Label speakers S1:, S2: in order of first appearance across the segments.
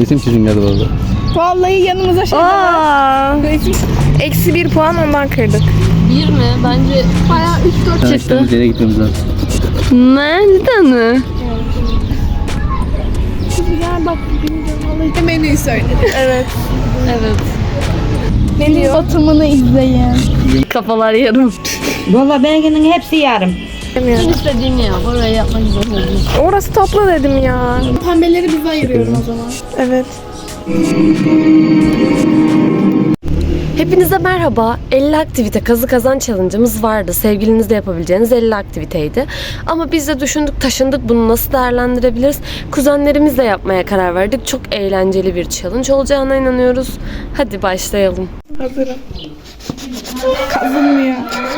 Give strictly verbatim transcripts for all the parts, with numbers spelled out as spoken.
S1: Resim çizim geldi valla.
S2: Vallahi yanımıza şey var. Eksi bir puan ondan kırdık.
S3: Bir mi? Bence
S2: Bayağı üç dört
S1: Yani
S2: çıktı.
S1: işte nereye gitmemiz lazım.
S3: nereden mi?
S2: Ya bak vallahi menüyü söyledi. Evet.
S3: Evet.
S2: Deniz batımını izleyin.
S3: Kafalar yarım.
S4: Valla belgenin hepsi yarım.
S3: İstediğin ya. Oraya yapmak zorunda.
S2: Orası topla dedim ya. Pembeleri bize ayırıyorum o zaman. Evet.
S3: Hepinize merhaba. elli aktivite kazı kazan challenge'ımız vardı. Sevgilinizle yapabileceğiniz elli aktiviteydi. Ama biz de düşündük, taşındık. Bunu nasıl değerlendirebiliriz? Kuzenlerimizle yapmaya karar verdik. Çok eğlenceli bir challenge olacağına inanıyoruz. Hadi başlayalım.
S2: Hazırım. Kazınmıyor.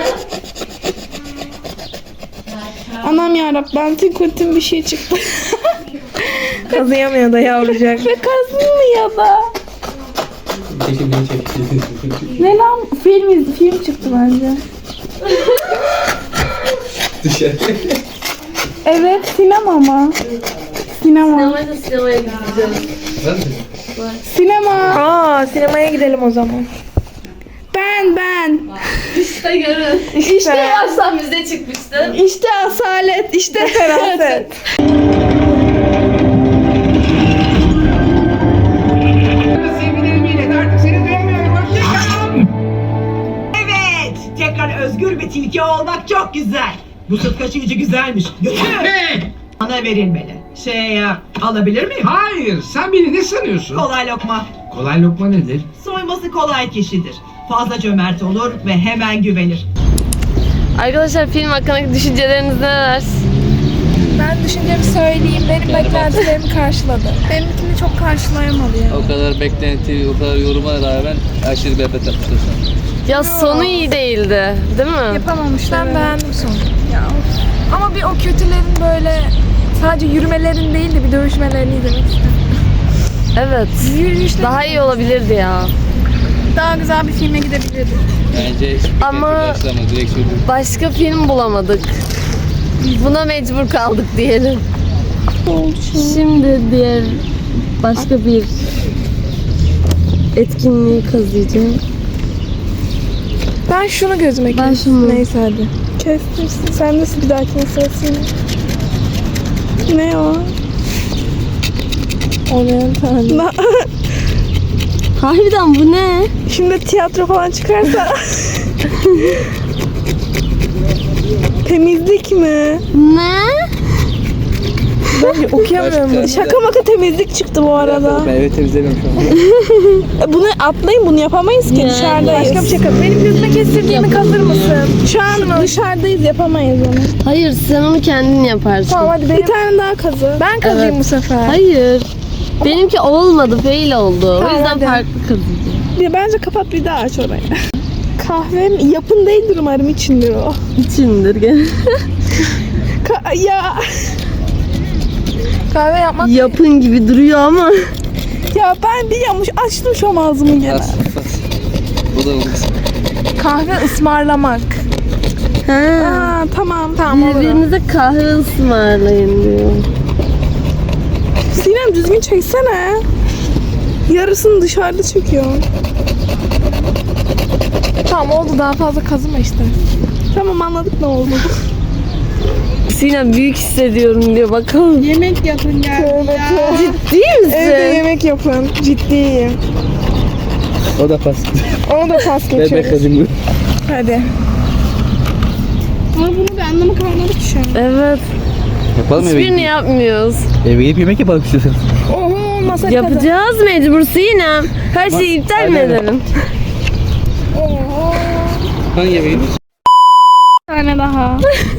S2: Anam yarabbim, ben tinkutin bir şey çıktı. Kazıyamıyor da yavrucak. Ve kazınmıyor da. Ne lan? Film, iz- film çıktı bence.
S1: Dışarı.
S2: Evet, sinema mı? Sinema.
S3: Sinemaya sinemaya gideceğiz.
S2: Sinema. Aa, sinemaya gidelim o zaman. Ben, ben.
S3: İşte görün.
S2: İşte,
S3: İşte baştan bize çıkmıştı.
S2: işte asalet, işte feraset.
S5: Evet, tekrar özgür bir tilki olmak çok güzel. Bu süt kaşıyıcı güzelmiş. Götür.
S6: Ne?
S5: Bana verilmeli. Şey ya, alabilir miyim?
S6: Hayır, sen beni ne sanıyorsun?
S5: Kolay lokma.
S6: Kolay lokma nedir?
S5: Soyması kolay kişidir. Fazla cömert olur ve hemen güvenir.
S3: Arkadaşlar film hakkındaki düşünceleriniz neler?
S2: Ben düşüncemi söyleyeyim. Benim beklentilerimi karşıladı. Benimkini çok karşılayamadı ya.
S1: O kadar beklenti, o kadar yoruma rağmen aşırı berbat yapmışlar sana.
S3: Ya sonu iyi değildi, değil mi?
S2: Yapamamışlar. Ben beğendim sonu. Ya. Ama bir o kötülerin böyle sadece yürümelerini değil de bir dövüşmelerini izlemek istedim.
S3: Evet.
S2: Yürüyüşler
S3: Daha iyi olabilirdi ya.
S2: daha güzel bir filme gidebilirdik.
S1: Bence hiçbir
S3: Ama-
S1: beklenti karşılamadı. Direkt söylüyorum.
S3: Başka film bulamadık. Buna mecbur kaldık diyelim. Şimdi diğer başka bir etkinliği kazıyacağım.
S2: Ben şunu gözüme
S3: Ben
S2: kestim.
S3: şunu.
S2: Neyse hadi. Kestirsin. Sen nasıl bir dahakine sırasını? Ne o? Oriental.
S3: Harbiden bu ne?
S2: Şimdi tiyatro falan çıkarsa. Temizlik mi?
S3: Ne?
S2: Ben okuyamıyorum.
S1: Başka-
S2: Şaka maka temizlik çıktı bu arada.
S1: Ben eve temizlemiyorum şu an.
S2: Bunu atlayın, bunu yapamayız ki
S3: Yani.
S2: dışarıdayız. Başka bir şey kaz. Benim gözüme kestirdiğimi kazır mısın? Şu an dışarıdayız, yapamayız onu.
S3: Hayır, sen onu kendin yaparsın.
S2: Tamam hadi benim... Bir tane daha kazı. Ben kazıyım
S3: Evet.
S2: bu sefer.
S3: Hayır. Benimki olmadı, fail oldu. o
S2: Tamam,
S3: yüzden
S2: hadi.
S3: farklı kazıyacağım.
S2: Bir, bence kapat bir daha aç orayı. Kahvem yapın değildir umarım, içindir o.
S3: İçindir gene.
S2: Ka- ya. Kahve yapmak...
S3: Yapın gibi duruyor ama.
S2: Ya ben bir yamuş açtım şu an ağzımı gene.
S1: As, as. Bu da olmaz.
S2: Kahve ısmarlamak.
S3: Ha.
S2: Aa, tamam tamam olur.
S3: Birbirinize kahve ısmarlayın diyor.
S2: Sinem düzgün çeksene. Yarısını dışarıda çekiyor. Tamam oldu, daha fazla kazıma işte. Tamam anladık ne oldu.
S3: Sinem büyük hissediyorum diyor, bakalım.
S2: Yemek yapın geldi ya.
S3: Ciddi misin?
S2: Evde yemek yapın. Ciddiyim.
S1: O da pas.
S2: Onu da pas
S1: Ben ben
S2: geçiyoruz.
S1: kazım.
S2: Hadi. Ama bunu bir anlamı kalmadı ki şu an.
S3: Evet.
S1: Yapalım eve
S3: Hiçbirini
S1: gidip.
S3: yapmıyoruz.
S1: Eve gidip yemek yapalım istiyorsan.
S2: Oho masa kazı.
S3: Yapacağız mecbur Sinem. Her şeyi iptal mi
S1: Aynen.
S3: edelim?
S2: Oho.
S1: Hangi yemeğe gidiyorsun?
S2: Bir tane daha.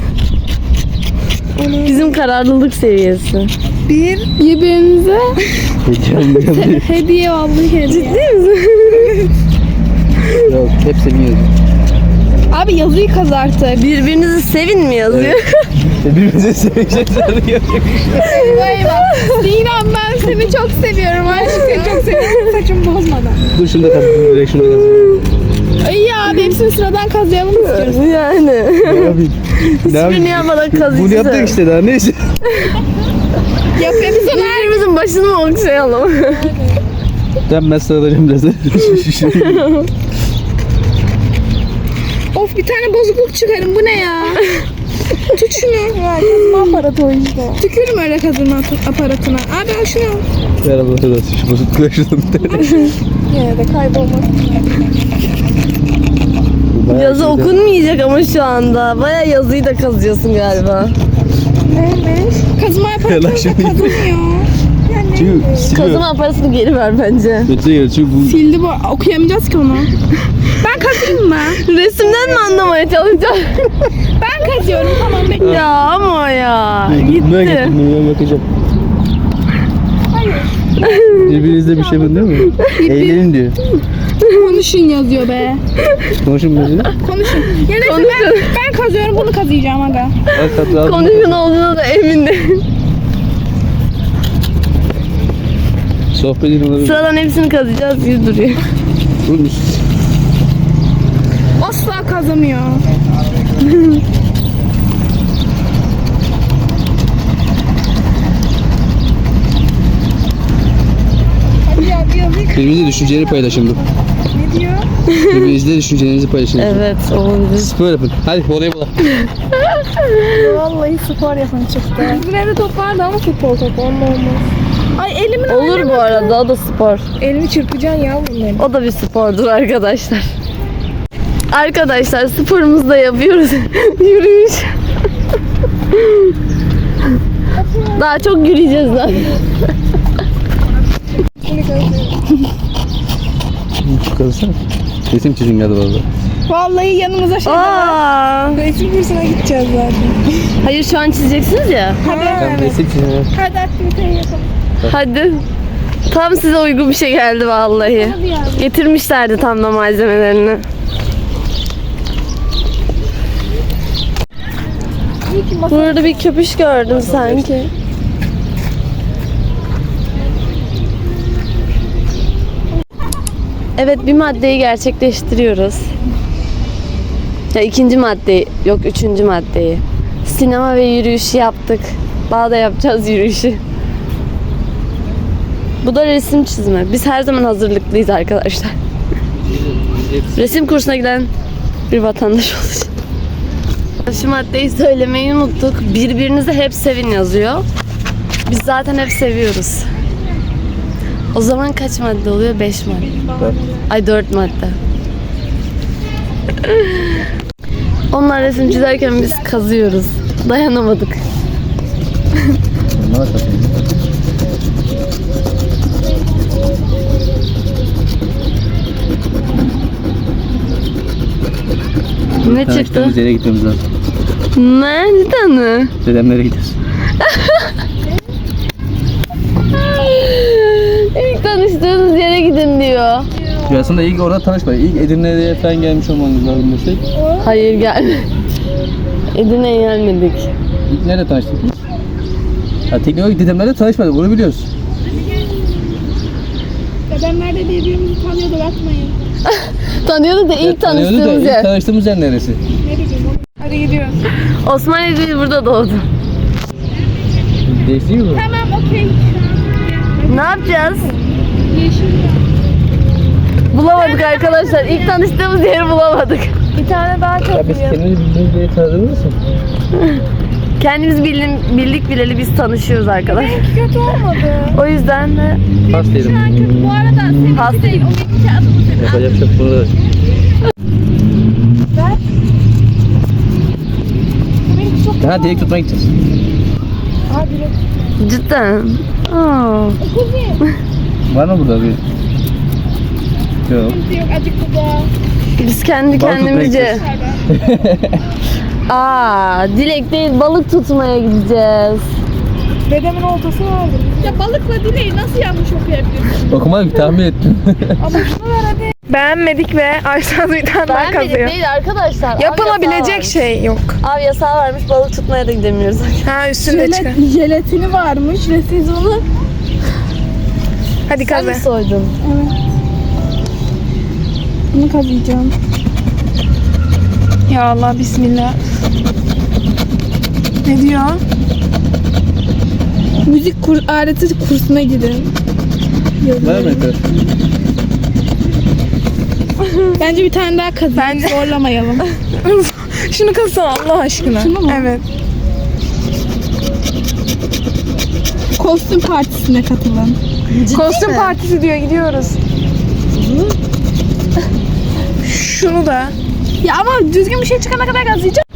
S3: Bizim kararlılık seviyesi.
S2: Bir birbirinize
S1: Heyecanlı.
S2: hediye, vallahi hediye.
S3: Ciddi misin?
S1: Yok, hepsini yiyorum.
S2: Abi yazıyı kaz artık.
S3: Birbirinizi sevin mi yazıyor?
S1: Birbirimize sevecek sanırım yapacak bir şey yok.
S2: Vay bak. Sinem ben seni çok seviyorum aşkım. Çok seviyorum. Saçımı bozmadan.
S1: Dur şunu da kazım. Direkt şunu da kazım.
S2: Ay ya abi hepsini sıradan kazıyalım istiyoruz.
S3: Yani. Hiçbirini yapmadan kazıyacağız.
S7: Bunu yaptık işte daha neyse.
S2: Yapıyoruz onu.
S3: Birbirimizin başını mı okşayalım?
S7: Ben ben sıralayacağım biraz.
S2: Of bir tane bozukluk çıkarın, bu ne ya? Tut şunu. Ya kazıma aparatı o işte. Tükürüm öyle kazıma aparatına. Abi al şunu.
S7: Ver Allah razı olsun. Şu bozuk kulaşladım.
S2: Yine de kaybolmak.
S3: Yazı okunmayacak ama şu anda. Baya yazıyı da kazıyorsun galiba.
S2: Neymiş? Kazıma aparatı
S7: Lan
S2: da
S7: şimdi-
S2: kazımıyor.
S7: Çünkü siliyor.
S3: Kazıma aparatını geri ver bence.
S7: Öte yer çünkü bu
S2: Sildi bu. Okuyamayacağız ki onu. Ben kazıyım mı?
S3: Resimden mi anlamaya çalışacağım?
S2: Ben kazıyorum, tamam bekle.
S3: Ya ama ya.
S7: Ben
S3: Gitti.
S7: getirdim, ben yakacağım. Birbirinizle bir şey mi diyor mu? Eğlenin diyor.
S2: Konuşun yazıyor be.
S7: Konuşun böyle.
S2: Konuşun. Ya neyse ben, ben kazıyorum, bunu kazıyacağım aga.
S7: Al katı al.
S3: Konuşun olduğuna da emin değilim.
S7: Sohbet edin olabilir.
S3: Sıradan hepsini kazıyacağız. Yüz duruyor.
S7: Oğlum,
S2: Asla kazamıyor. Hadi ya bir yazıyı
S7: birbirinizle düşüncelerini paylaşın bu.
S2: ne diyor?
S7: Birbirinizle düşüncelerinizi paylaşın.
S3: Evet olabilir.
S7: Spor yapın. Hadi oraya bula.
S2: Vallahi spor yapan çıktı. Bizim evde top vardı ama futbol topu, onunla olmaz. Ay elimin
S3: Olur bu arada, o da spor.
S2: Elini çırpacaksın ya bunları.
S3: O da bir spordur arkadaşlar. Arkadaşlar sporumuzu da yapıyoruz. Yürüyüş. Daha çok yürüyeceğiz zaten.
S7: Kalsana. Resim çizim geldi valla.
S2: Vallahi yanımıza şey
S3: Aa,
S2: resim kursuna gideceğiz zaten.
S3: hayır şu an çizeceksiniz ya.
S2: Hadi
S7: Ben resim çizim.
S2: hadi aktiviteyi yapalım.
S3: Hadi. Tam size uygun bir şey geldi vallahi.
S2: Hadi ya.
S3: Getirmişlerdi tam da malzemelerini.
S2: İyi ki masa.
S3: Burada bir köpüş gördüm sanki. Evet, bir maddeyi gerçekleştiriyoruz. Ya ikinci maddeyi, yok üçüncü maddeyi. Sinema ve yürüyüşü yaptık. Daha da yapacağız yürüyüşü. Bu da resim çizme. Biz her zaman hazırlıklıyız arkadaşlar. Resim kursuna giden bir vatandaş olacağız. Şu maddeyi söylemeyi unuttuk. Birbirinizi hep sevin yazıyor. Biz zaten hep seviyoruz. O zaman kaç madde oluyor? Beş madde. Ay dört madde. Onlar resim çizerken biz kazıyoruz. Dayanamadık. Ne çıktı?
S7: Tanıştığımız yere gitmemiz lazım.
S3: Ne? Cidden mi?
S7: Dedemlere gidiyoruz.
S3: İlk tanıştığınız yere gidin diyor.
S7: Ya aslında ilk orada tanışmayın. İlk Edirne'ye falan gelmiş olmanız lazım desek.
S3: Hayır gelme. Edirne'ye gelmedik.
S7: İlk nerede tanıştık? Ha, teknolojik dedemlerle tanışmadık. Onu biliyoruz.
S2: Dedemler de birbirimizi tanıyordu, bakmayın.
S3: Tanıyordu da ilk
S7: Evet, tanıyordu da
S3: tanıştığımız
S7: ilk
S3: yer.
S7: tanıştığımız yer neresi?
S2: Ne bileyim oğlum. Hadi gidiyoruz.
S3: Osmaniye değil, burada doğdu.
S7: Değişti mi bu?
S2: Tamam okey.
S3: Ne yapacağız?
S2: Yeşil.
S3: Bulamadık arkadaşlar. İlk tanıştığımız yeri bulamadık.
S2: Bir tane daha çok
S7: Ya biz
S2: iyi.
S7: kendimizi bildiğimiz diye tanıdınız mı?
S3: Kendimiz bildim, bildik bileli biz tanışıyoruz arkadaşlar.
S2: Kötü olmadı.
S3: O yüzden de
S7: Pas derim.
S2: Bu arada seninki
S3: Pas.
S2: değil, o benimki adımı senin.
S7: Yapacak bir şey yok. Bunu da
S2: Bu benimki çok
S7: daha direkt tutmaya gideceğiz.
S2: Aa direkt.
S3: cidden. Aa.
S2: Kuzey.
S7: Var mı burada bir? Yok.
S2: Yok acık bu da.
S3: Biz kendi
S7: Balık tutmaya
S3: kendimizce. Aa, dilek değil, balık tutmaya gideceğiz.
S2: Dedemin oltası vardı. Ya balıkla dileği nasıl yanlış okuyabilirsin?
S7: Okumadım ki tahmin ettim.
S2: Ama şunu ver hadi. Beğenmedik ve Ayşe bir tane daha
S3: Beğenmedik
S2: kazıyor.
S3: değil arkadaşlar. Av yasağı
S2: Yapılabilecek
S3: varmış.
S2: şey yok.
S3: Av yasağı varmış, balık tutmaya da gidemiyoruz.
S2: Ha üstünde çıkar.
S8: Jelatini varmış ve siz onu
S2: Hadi
S3: Sen mi
S2: kazı.
S3: soydun?
S8: Bunu kazıyacağım.
S2: Ya Allah bismillah. Ne diyor?
S8: Müzik kur aleti kursuna gidin.
S7: Var mı arkadaş?
S8: Bence bir tane daha kazıyın.
S2: Bence-
S8: Zorlamayalım.
S2: Şunu kazsana Allah aşkına.
S8: Şunu mu?
S2: Evet.
S8: Kostüm partisine katılın.
S2: Kostüm partisi diyor, gidiyoruz. Şunu da.
S8: Ya ama düzgün bir şey çıkana kadar kazıyacağım.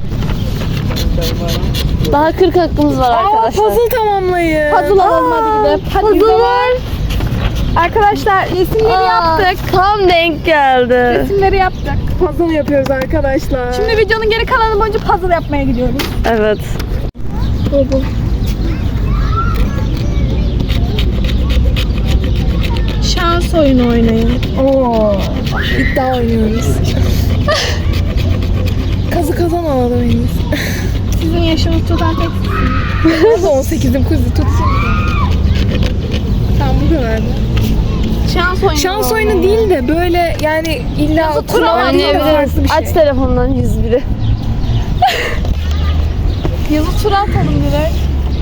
S3: Daha kırk hakkımız var
S2: Aa,
S3: arkadaşlar.
S2: puzzle tamamlayın.
S8: Puzzle alalım hadi gidelim. Hadi
S3: Puzzle
S8: gidelim.
S3: var.
S8: Arkadaşlar resimleri
S3: Aa,
S8: yaptık.
S3: tam denk geldi.
S8: Resimleri yaptık.
S2: Puzzle yapıyoruz arkadaşlar.
S8: Şimdi videonun geri kalanı boyunca puzzle yapmaya gidiyoruz.
S3: Evet.
S8: Şans oyunu oynayın.
S2: Oo, iddia oynuyoruz. Kazı kazan alalım en iyisi.
S8: Sizin yaşınız tutan tek
S2: Ben de on sekizim kuzu tutsun. Tamam bu kadar.
S8: şans oyunu.
S2: Şans oyunu değil de böyle yani illa kurallar değil de farklı
S3: Oynayabiliriz.
S2: bir şey.
S3: Aç telefondan yüz biri.
S8: Yazı tura atalım direkt.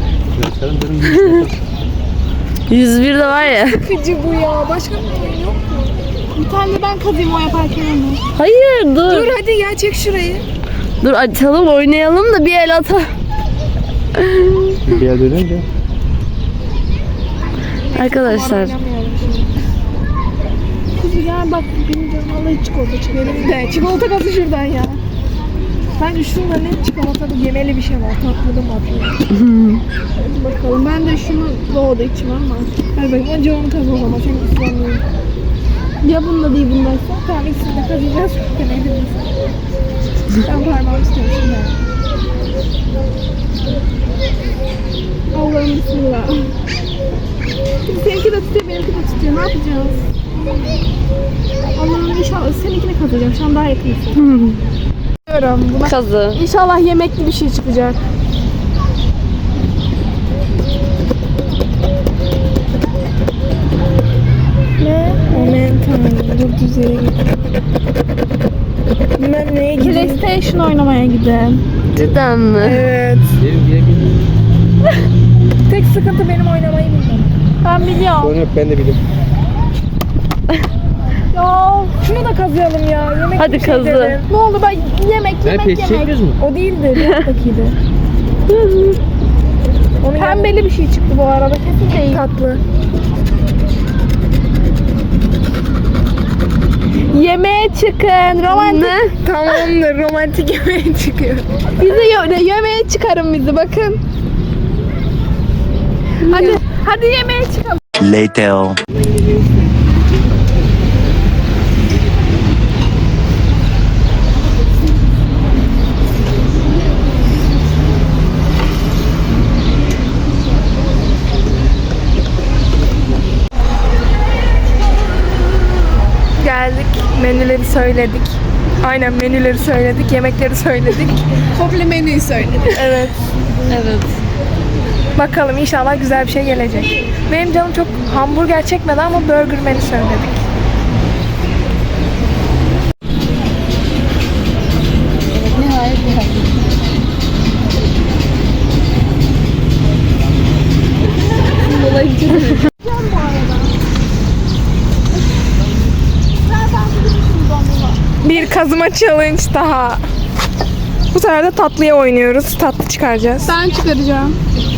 S3: yüz bir de var ya.
S2: Sıkıcı bu ya. Başka bir oyun yok mu?
S8: Bir tane de ben kazıyım o yaparken onu.
S3: Hayır dur.
S2: Dur hadi ya çek şurayı.
S3: Dur açalım oynayalım da bir el atalım.
S7: Bir yer dönünce.
S3: Arkadaşlar.
S8: Kızım gel bak benim canım vallahi çikolata çıkıyor.
S2: Benim de çikolata kazı şuradan ya. Bence şurada ne çikolatalı yemeli bir şey var. Tatlı mı atıyor?
S8: Hadi bakalım ben de şunu doğdu içim ama.
S2: Hadi bakayım önce onu kaz o zaman. Senin ıslanmıyor.
S8: Ya bunda değil bundaysa.
S2: Tamam ikisini de kazıyacağız. Demeydin mi sen? Ben parmağımı tutuyorum şimdi.
S8: Allah'ım bismillah. Şimdi seninki de tutuyor benimki de tutuyor. Ne yapacağız? Allah'ım inşallah seninkini kazıyacağım. Şu an daha yakınsın.
S2: Diyorum buna.
S3: Kazı.
S8: İnşallah yemekli bir şey çıkacak.
S2: Ne? Momentum. Dur düz yere git. Bilmem neye gidiyor.
S8: PlayStation oynamaya gidelim.
S3: Cidden mi?
S2: Evet. Tek sıkıntı benim oynamayı bilmem.
S8: Ben biliyorum.
S7: Sonra ben de biliyorum.
S8: Ya
S2: Şunu da kazıyalım ya. Yemek
S3: Hadi
S2: bir şey
S3: kazı.
S2: dedim.
S8: ne oldu ben yemek
S7: Ben
S8: yemek
S7: peş
S8: yemek.
S7: çekiyoruz mu?
S2: O değildi. Bir alttaki Onun
S8: Pembeli bir şey çıktı bu arada kesin değil.
S2: tatlı.
S8: Yemeğe çıkın. Romantik.
S3: Ne?
S2: Tamamdır. Romantik yemeğe çıkıyor.
S8: Bizi ye- yemeğe çıkarın bizi bakın. Hadi hadi yemeğe çıkalım.
S9: Later.
S2: Geldik. Menüleri söyledik. Aynen menüleri söyledik. Yemekleri söyledik.
S8: Komple menüyü söyledim.
S2: Evet.
S3: Evet.
S2: Bakalım inşallah güzel bir şey gelecek. Benim canım çok hamburger çekmedi ama burger menü söyledik. Bir kazıma challenge daha. Bu sefer de tatlıya oynuyoruz. Tatlı çıkaracağız.
S8: Ben çıkaracağım.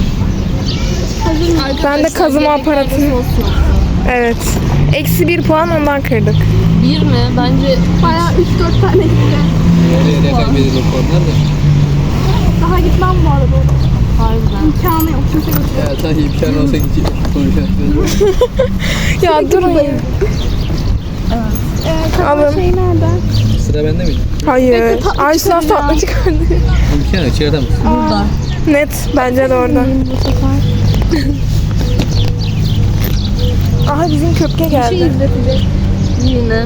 S2: Ben de kazıma aparatı. Evet. Eksi bir puan ondan kırdık.
S3: Bir mi? Bence
S8: Bayağı üç dört tane gitti.
S1: Nereye kaybedilir o puanlar da?
S8: Daha gitmem bu arada.
S3: harbiden.
S8: İmkanı yok. Kimse götürüyor.
S1: Ya sanki imkan olsa gidecek. Konuşacaksın.
S2: Ya durun ya.
S8: Ee,
S2: Alın.
S8: kalan şey nerede?
S1: Sıra bende miydi?
S2: Hayır.
S8: tatlı
S2: Ay sınav
S8: çıkarın ya.
S2: tatlı çıkardı.
S1: İmkan yok çıkartamazsın.
S8: Burada.
S2: Net. Bence de orada.
S8: Bu sefer.
S2: Aha bizim köpke
S8: Bir şey
S2: geldi.
S8: izletecek.
S3: Yine.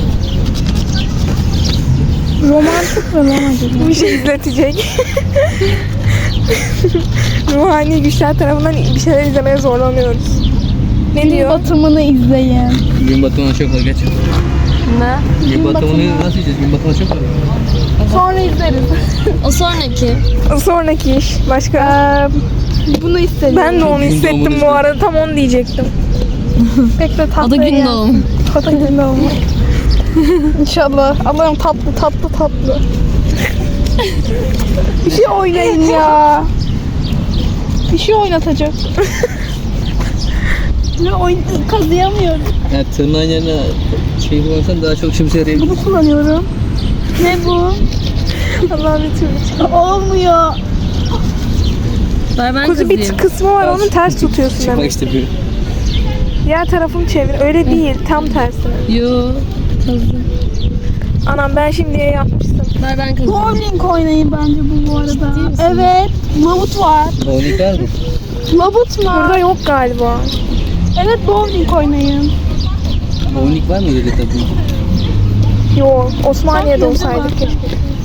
S8: Romantik mi lan acaba?
S2: Bir şey izletecek. Ruhani güçler tarafından bir şeyler izlemeye zorlanıyoruz. Ne
S8: Gün
S2: diyor?
S8: batımını izleyin.
S1: Gün batımına çok var geç.
S3: Ne?
S7: Gün batımını nasıl yiyeceğiz? Gün batımı çok var.
S8: Sonra izleriz.
S3: O sonraki.
S2: Sonraki iş. Başka?
S8: Ee, bunu istedim.
S2: Ben de onu
S1: Gün
S2: hissettim
S1: doğumunu
S2: bu arada. Tam onu diyecektim.
S8: Pek de tatlı.
S3: O da gün
S8: yani.
S3: doğumu.
S8: O da gün doğumu. İnşallah. Allah'ım tatlı tatlı tatlı. Bir şey oynayın ya. Bir şey oynatacak. Ne oyn kazıyamıyorum.
S7: Yani tırnağın yerine şey kullanırsan daha çok işimize yarayabilir.
S8: Bunu kullanıyorum. Ne bu?
S2: Allah'ım bir türlü çıkıyor.
S8: Olmuyor.
S3: Ver ben
S2: Kuzu bir kısmı var onun ters tutuyorsun
S7: Çıkmak
S2: demek.
S7: istemiyor.
S2: Diğer tarafını çevir. Öyle değil. Tam tersi.
S3: Yo. Kazı.
S2: Anam ben şimdiye yapmıştım.
S3: Ver ben kazı.
S8: Bowling oynayın bence bu bu arada. Evet. Labut var.
S7: Bowling var mı?
S8: Labut var.
S2: Burada yok galiba.
S8: Evet bowling oynayın.
S7: Bowling var mı öyle tabii?
S2: Yok. Osmaniye'de
S8: Sanki
S2: olsaydık
S8: yok.
S2: keşke.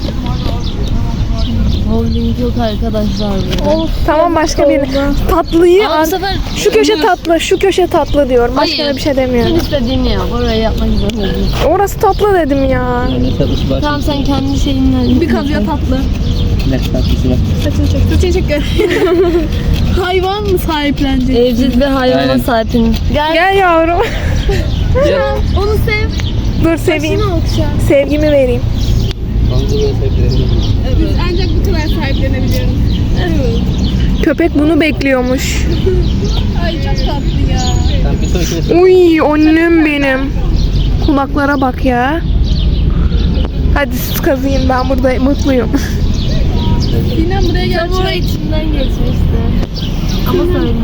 S3: Bowling yok arkadaşlar burada.
S2: Of, tamam başka bir tatlıyı
S3: Ama bu
S2: an-
S3: sefer
S2: şu köşe tatlı, şu köşe tatlı diyorum. Başka
S3: Hayır.
S2: da bir şey demiyorum.
S3: Sen istediğini yap. Orayı yapmak zorunda değilsin.
S2: Orası tatlı dedim ya.
S7: Yani tatlısı var.
S3: Tamam sen kendi şeyinle.
S8: Bir kazıya tatlı.
S7: Ne tatlısı var?
S8: Saçını çek. Saçını çek. Hayvan mı sahiplenecek?
S3: Evcil bir hayvana
S7: Aynen.
S3: sahipsin. Gel.
S2: Gel yavrum.
S7: Gel.
S8: Onu sev.
S2: Dur seveyim.
S8: Saçını okşa.
S2: Sevgimi vereyim.
S7: Manzara sahipleri.
S8: Biz ancak bu kadar sahiplenebiliyoruz. Evet.
S2: Köpek bunu bekliyormuş.
S8: Ay çok tatlı ya.
S7: Tamam bir sonrakine söyle.
S2: Uy annem benim. Kulaklara bak ya. Hadi siz kazıyın ben burada mutluyum.
S8: Sinem buraya gel.
S3: Çamur içinden geçmişti. Ama söyleme.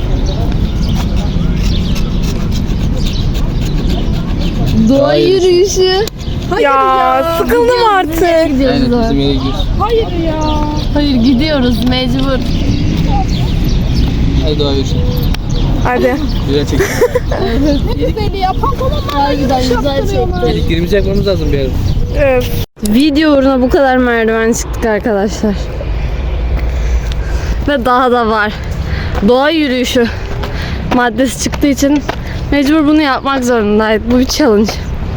S3: Doğa yürüyüşü.
S2: ya, sıkıldım artık.
S3: Gidiyoruz
S7: Aynen
S3: da.
S7: bizim yere gidiyoruz.
S8: Hayır ya.
S3: Hayır gidiyoruz mecbur.
S7: Hadi doğa yürüsün.
S2: Hadi.
S7: Güzel çek.
S8: Güzeli yapan falan
S3: Harbiden güzel çekti.
S7: Elektriğimizi yakmamız lazım bir ara.
S2: Öf.
S3: Video uğruna bu kadar merdiven çıktık arkadaşlar. Ve daha da var. Doğa yürüyüşü maddesi çıktığı için mecbur bunu yapmak zorundaydık. Bu bir challenge.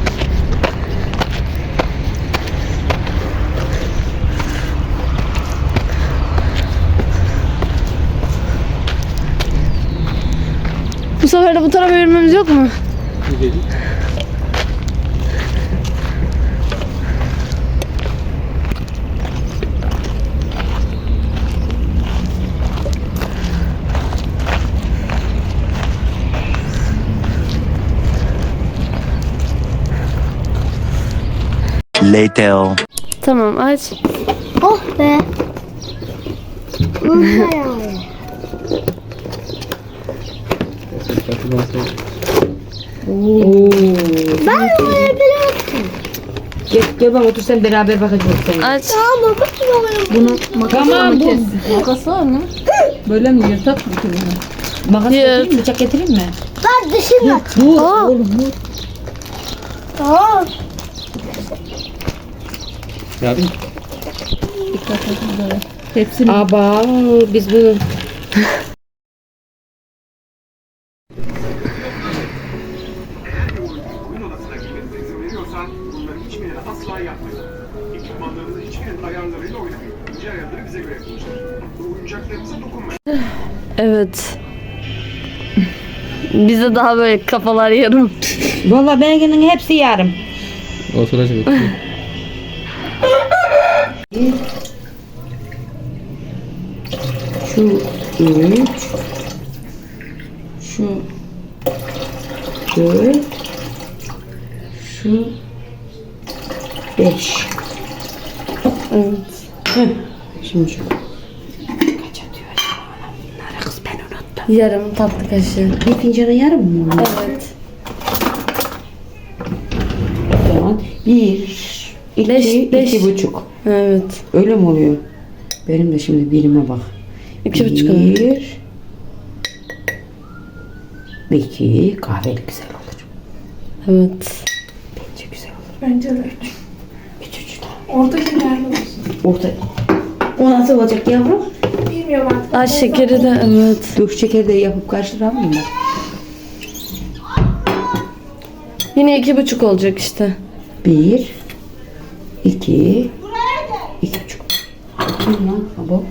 S3: Bu sefer de bu tarafa yürümemiz yok mu?
S7: Güzel.
S9: Later.
S3: Tamam aç.
S8: Oh be.
S4: Gel, gel bak otur sen beraber bakacağız seninle.
S3: Aç.
S4: Tamam bu.
S3: Makas var mı?
S4: Böyle mi yırtak mı? Makas
S3: Yırt.
S4: getireyim mi? Bıçak getireyim mi?
S3: Dur.
S4: Oğlum dur.
S7: Ne yapayım?
S4: Hepsini. Aba biz bu.
S10: Oyun odasına girmenize izin veriyorsan bunların hiçbirini asla yapmayın. Ekipmanlarınızın hiçbirinin ayarlarıyla oynamayın. İnce ayarları bize göre yapılmıştır. Oyuncaklarınıza dokunmayın.
S3: Evet. Bize daha böyle kafalar yarım.
S4: Valla benimkinin hepsi yarım.
S7: Oturacak.
S4: Şu üç. Şu dört. Şu beş. Evet. Heh. Şimdi şu. Kaç atıyor acaba? Bunları kız ben unuttum.
S3: Yarım tatlı kaşığı.
S4: Bir fincana yarım mı oluyor?
S3: Evet.
S4: O zaman bir, iki,
S3: Beş, beş.
S4: iki buçuk.
S3: Evet.
S4: Öyle mi oluyor? Benim de şimdi birime bak.
S3: İki buçuk.
S4: Bir, iki, kahveli güzel olur.
S3: Evet.
S4: Bence güzel olur.
S2: Bence de üç.
S4: Üç, üç tane.
S2: Orada şekerli olsun.
S4: Orta. O nasıl olacak yavrum?
S2: Bilmiyorum artık.
S3: Ay şekeri de evet.
S4: Dök şekeri de yapıp karıştıralım mı?
S3: Yine iki buçuk olacak işte.
S4: Bir, iki, iki buçuk. Bakayım lan baba.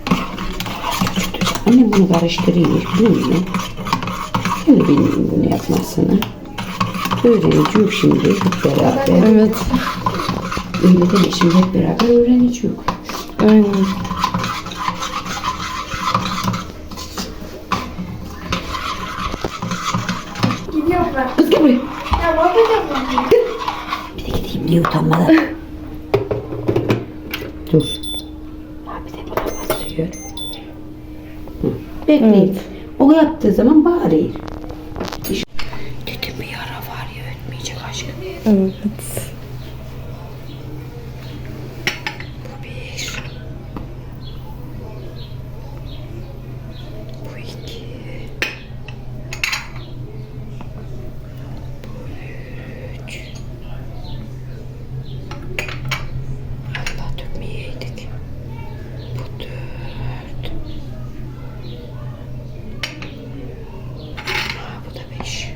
S4: Annem bunu karıştırıyor, biliyor musun? Ben de bilmiyorum bunu yapmasını. Öğreneceğim şimdi hep beraber.
S3: Evet.
S4: Öyle deme, şimdi hep beraber öğreneceğim.
S3: Aynen.
S2: Gidiyorum ben.
S4: Kız gel buraya.
S2: Ya ne yapacağım ben?
S4: Bir de gideyim diye utanmadan. Dur. Bir de buna basıyor. Hı. Bekleyin.
S3: Evet.
S4: O yaptığı zaman bağırıyor. Dedim bir yara var ya, ötmeyecek aşkım.
S3: Evet.
S4: Bu bir. Bu iki. Bu üç. Allah dökmeyeydik. Bu dört. Ha, bu da beş.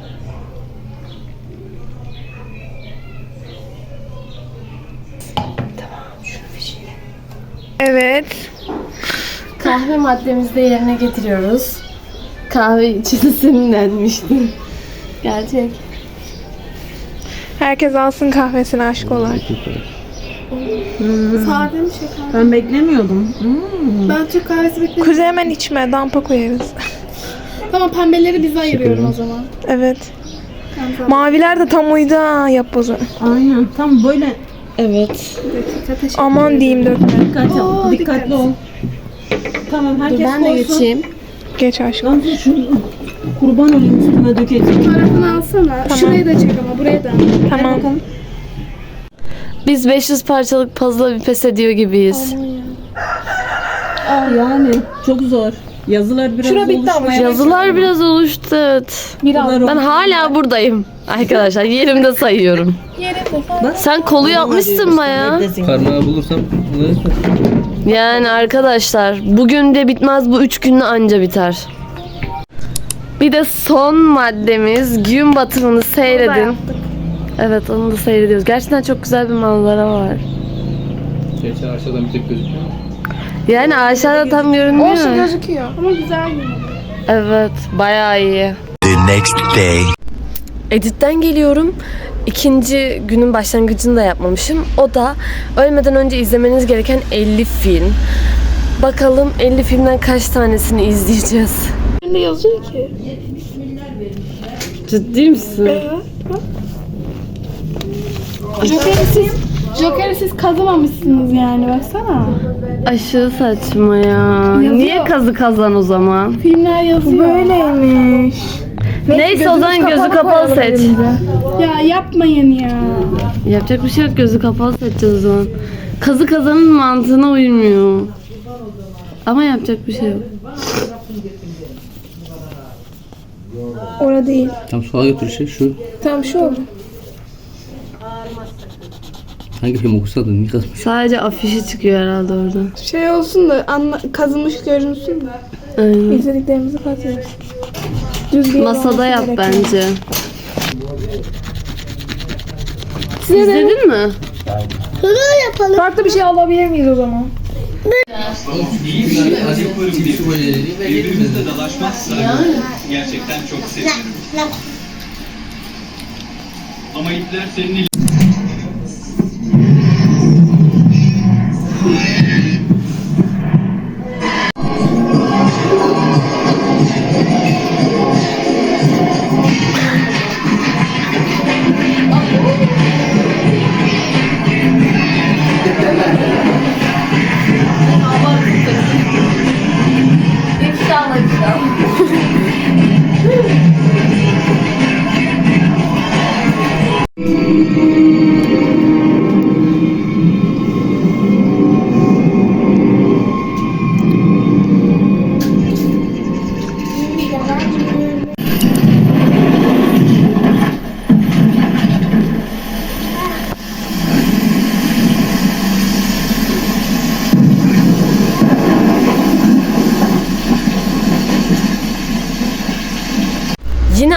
S4: Tamam, şunu fişeyle.
S2: Evet.
S3: Kahve maddemizi de yerine getiriyoruz. Kahve içini sinirlenmişti. Gerçek.
S2: Herkes alsın kahvesini aşk olarak.
S8: Sade mi şeker?
S4: Ben beklemiyordum.
S8: Ben Türk kahvesi bekliyorum.
S2: Kuzu hemen içme, dampa koyarız.
S8: Tamam, pembeleri bize ayırıyorum o zaman.
S2: Evet. Maviler de tam uydu ha, yap o zaman.
S4: Aynen, tam böyle.
S3: Evet.
S2: Aman diyeyim dökme.
S4: Dikkat ol, dikkatli ol. Tamam, herkes
S3: Ben de
S4: koysun.
S3: geçeyim.
S2: Geç aşkım.
S4: Lan şunu kurban olayım, üstüme dökeceğim.
S8: Fotoğrafını alsana. Şurayı da çek ama buraya da.
S2: Tamam.
S3: Biz beş yüz parçalık puzzle'a bir pes ediyor gibiyiz.
S4: Yani çok zor. Yazılar biraz
S8: Şura bitti ama.
S3: Yazılar biraz oluştu. Evet.
S8: Biraz.
S3: Ben hala buradayım. Arkadaşlar yerimde sayıyorum. Sen kolu yapmışsın baya.
S7: Parmağı bulursam bunları
S3: Yani arkadaşlar bugün de bitmez, bu üç günde anca biter. Bir de son maddemiz gün batımını seyredin. Evet, onu da seyrediyoruz. Gerçekten çok güzel bir manzara var.
S7: Gerçi aşağıdan bir tek gözüküyor.
S3: Yani aşağıda tam görünmüyor.
S2: Olsun, gözüküyor.
S8: Ama güzel yine.
S3: Evet, bayağı iyi.
S9: The next day.
S3: Edit'ten geliyorum. İkinci günün başlangıcını da yapmamışım. O da ölmeden önce izlemeniz gereken elli film. Bakalım elli filmden kaç tanesini izleyeceğiz.
S8: Ne yazıyor ki?
S3: Ciddi misin?
S8: Joker'i siz, Joker'i siz kazımamışsınız yani, baksana.
S3: Aşırı saçma ya.
S8: Yazıyor.
S3: Niye kazı kazan o zaman?
S8: Filmler yazıyor.
S2: Böyleymiş.
S3: Neyse o zaman gözü kapalı seç.
S8: Ya yapmayın ya.
S3: Yapacak bir şey yok, gözü kapalı seçeceğiz o zaman. Kazı kazanın mantığına uymuyor. Ama yapacak bir şey yok.
S2: Orada değil.
S7: Tam sola götür şey şu.
S2: Tam şu oldu.
S7: Hangi film okusaydın niye kazmış?
S3: Sadece afişi çıkıyor herhalde orada.
S2: Şey olsun da anla, kazınmış görünsün de.
S3: Aynen.
S2: İzlediklerimizi katıyoruz. Düz bir yer
S3: Masada
S2: olması
S3: yap
S2: gerekiyor.
S3: bence.
S2: Size de
S3: İzledin mi?
S2: farklı bir şey alabilir miyiz o zaman?
S11: Birbirimizle dalaşmazsak gerçekten çok sevinirim. Ama ipler senin
S3: İnşallah.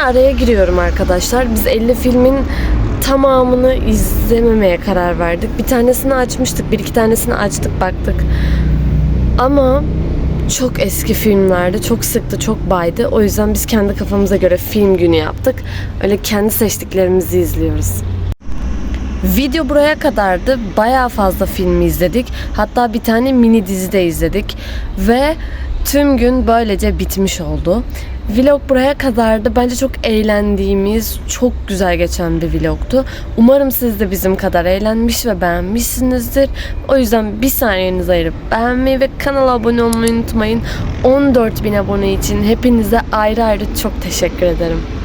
S3: araya giriyorum arkadaşlar. Biz elli filmin tamamını izlememeye karar verdik. Bir tanesini açmıştık, bir iki tanesini açtık, baktık. Ama çok eski filmlerdi, çok sıktı, çok baydı. O yüzden biz kendi kafamıza göre film günü yaptık. Öyle kendi seçtiklerimizi izliyoruz. Video buraya kadardı. Bayağı fazla filmi izledik. Hatta bir tane mini dizi de izledik. Ve tüm gün böylece bitmiş oldu. Vlog buraya kadardı. Bence çok eğlendiğimiz, çok güzel geçen bir vlogtu. Umarım siz de bizim kadar eğlenmiş ve beğenmişsinizdir. O yüzden bir saniyenizi ayırıp beğenmeyi ve kanala abone olmayı unutmayın. on dört bin abone için hepinize ayrı ayrı çok teşekkür ederim.